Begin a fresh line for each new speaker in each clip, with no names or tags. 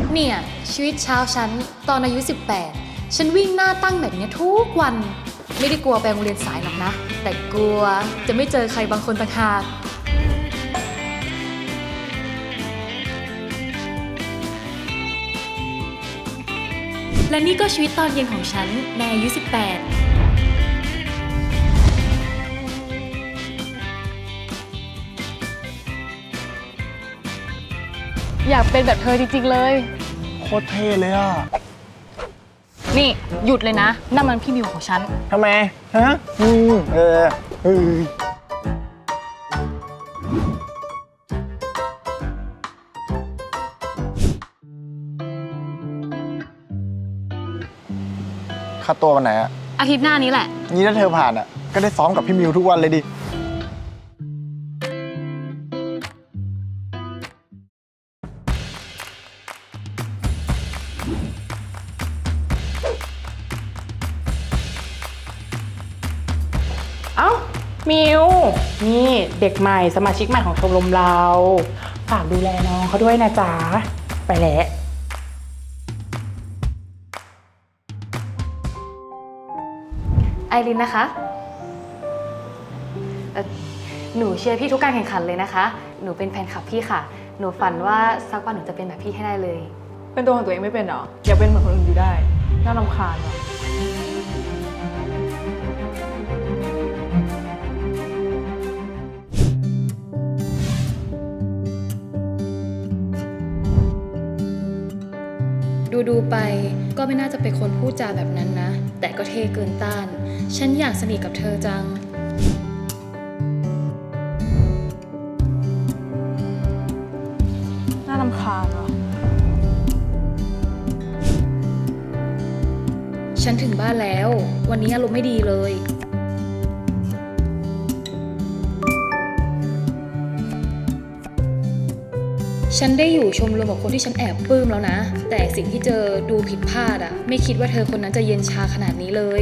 เนี่ยชีวิตเช้าฉันตอนอายุ 18ฉันวิ่งหน้าตั้งแบบนี้ทุกวันไม่ได้กลัวไปโรงเรียนสายหรอกนะแต่กลัวจะไม่เจอใครบางคนต่างหากและนี่ก็ชีวิตตอนเย็นของฉันในอายุ 18
อยากเป็นแบบเธอจริงๆเลย
โคตรเท่เลยอ่ะ
นี่หยุดเลยนะนั่นมันพี่มิวของฉัน
ทำไมฮะค่าตัววันไหนอะ
อาทิตย์หน้านี้แหละ
นี่ถ้าเธอผ่านอะก็ได้ซ้อมกับพี่มิวทุกวันเลยดิ
เอ้ามิวนี่เด็กใหม่สมาชิกใหม่ของชมรมเราฝากดูแลน้องเขาด้วยนะจ๊ะไปแล้ว
ไอรินนะคะหนูเชียร์พี่ทุกการแข่งขันเลยนะคะหนูเป็นแฟนคลับพี่ค่ะหนูฝันว่าสักวันหนูจะเป็นแบบพี่ให้ได้เลย
เป็นตัวของตัวเองไม่เป็นหรออยากเป็นเหมือนคนอื่นอยู่ได้น่ารำคาญว่ะ
ดูไปก็ไม่น่าจะเป็นคนพูดจาแบบนั้นนะแต่ก็เท่เกินต้านฉันอยากสนิทกับเธอจัง
น่ารำคาญว่ะ
ฉันถึงบ้านแล้ววันนี้อารมณ์ไม่ดีเลยฉันได้อยู่ชมรมกับคนที่ฉันแอบปลื้มแล้วนะแต่สิ่งที่เจอดูผิดพลาดอะไม่คิดว่าเธอคนนั้นจะเย็นชาขนาดนี้เลย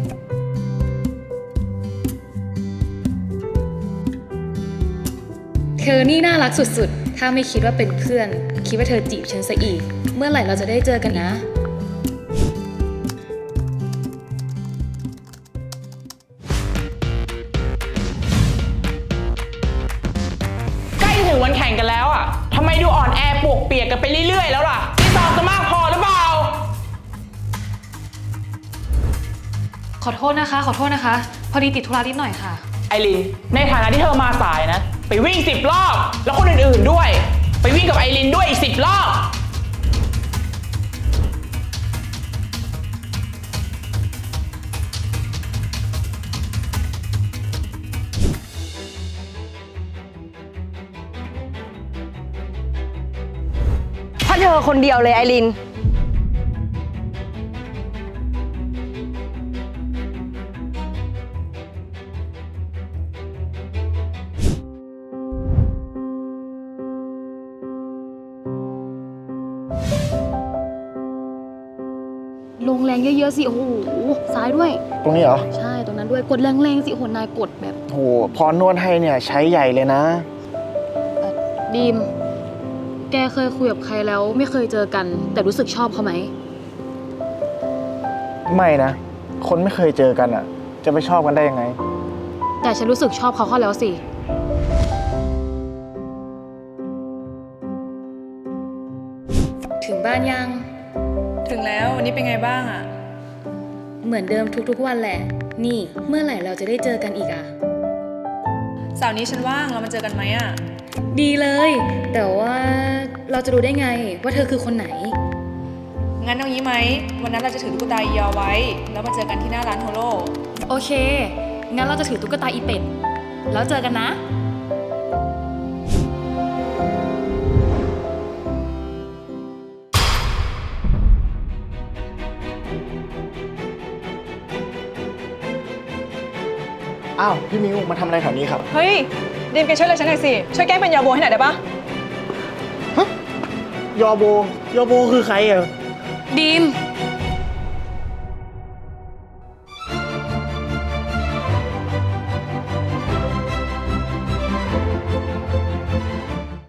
เธอนี่น่ารักสุดๆถ้าไม่คิดว่าเป็นเพื่อนคิดว่าเธอจีบฉันซะอีกเมื่อไหร่เราจะได้เจอกันนะ
ถึงวันแข่งกันแล้วอ่ะทำไมดูอ่อนแอปวกเปียกกันไปเรื่อยๆแล้วล่ะนี่ซ้อมจะมากพอหรือเปล่า
ขอโทษนะคะพอดีติดธุระนิดหน่อยค่ะ
ไอรินในฐานะที่เธอมาสายนะไปวิ่ง10 รอบแล้วคนอื่นๆด้วยไปวิ่งกับไอรินด้วยอีก10 รอบ
เธอคนเดียวเลยไอริน
ลงแรงเยอะๆสิโอ้โหซ้ายด้วย
ตรงนี้เหรอ
ใช่ตรงนั้นด้วยกดแรงๆสิโอ้โหนายกดแบบ
โหพอนวดให้เนี่ยใช้ใหญ่เลยนะ
ดีมแกเคยคุยกับใครแล้วไม่เคยเจอกันแต่รู้สึกชอบเขาไหม
ไม่นะคนไม่เคยเจอกันอ่ะจะไปชอบกันได้ยังไง
แต่ฉันรู้สึกชอบเขาแล้วสิถึงบ้านยัง
ถึงแล้ววันนี้เป็นไงบ้างอ่ะ
เหมือนเดิมทุกๆวันแหละนี่เมื่อไหร่เราจะได้เจอกันอีกอะ
เสาร์นี้ฉันว่างเรามาเจอกันไหมอ่ะ
ดีเลยแต่ว่าเราจะรู้ได้ไงว่าเธอคือคนไหน
งั้นเอางี้ไหมวันนั้นเราจะถือตุ๊กตาอียอไว้แล้วมาเจอกันที่หน้าร้านโฮโล
โอเคงั้นเราจะถือตุ๊กตาอีเป็ดแล้วเจอกันนะ
อ้าวพี่มิวมาทำอะไรแถวนี้ครับ
เฮ้ยดีมแกช่วยอะไรฉันหน่อยสิช่วยแก้เป็นยาโบให้หน่อยได้ปะ
ฮะยอโบคือใครอ่ะ
ดีม